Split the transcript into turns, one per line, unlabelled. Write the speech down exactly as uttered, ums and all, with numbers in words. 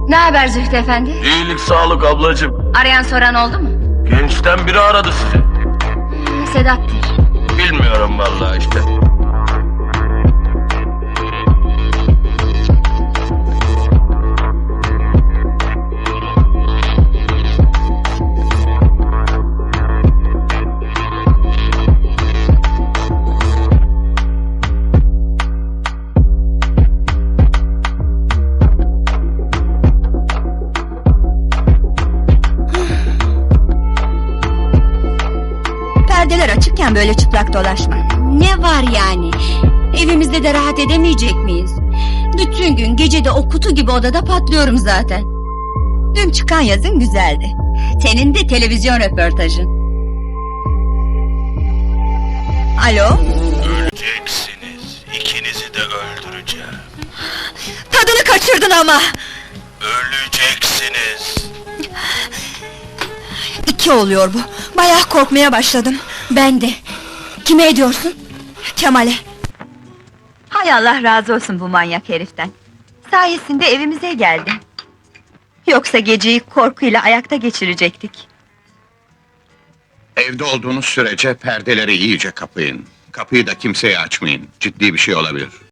Ne haber Zühtü efendi?
İyilik sağlık ablacığım.
Arayan soran oldu mu?
Gençten biri aradı sizi.
Sedat'tır.
Bilmiyorum vallahi işte.
Perdeler açıkken böyle çıplak dolaşma.
Ne var yani? Evimizde de rahat edemeyecek miyiz? Bütün gün gecede o kutu gibi odada patlıyorum zaten.
Dün çıkan yazın güzeldi. Senin de televizyon röportajın. Alo?
Öleceksiniz. İkinizi de öldüreceğim.
Tadını kaçırdın ama.
Öleceksiniz.
İki oluyor bu. Bayağı korkmaya başladım.
Ben de. Kime ediyorsun?
Kemal'e. Hay Allah razı olsun bu manyak heriften. Sayesinde evimize geldi. Yoksa geceyi korkuyla ayakta geçirecektik.
Evde olduğunuz sürece perdeleri iyice kapayın. Kapıyı da kimseye açmayın. Ciddi bir şey olabilir.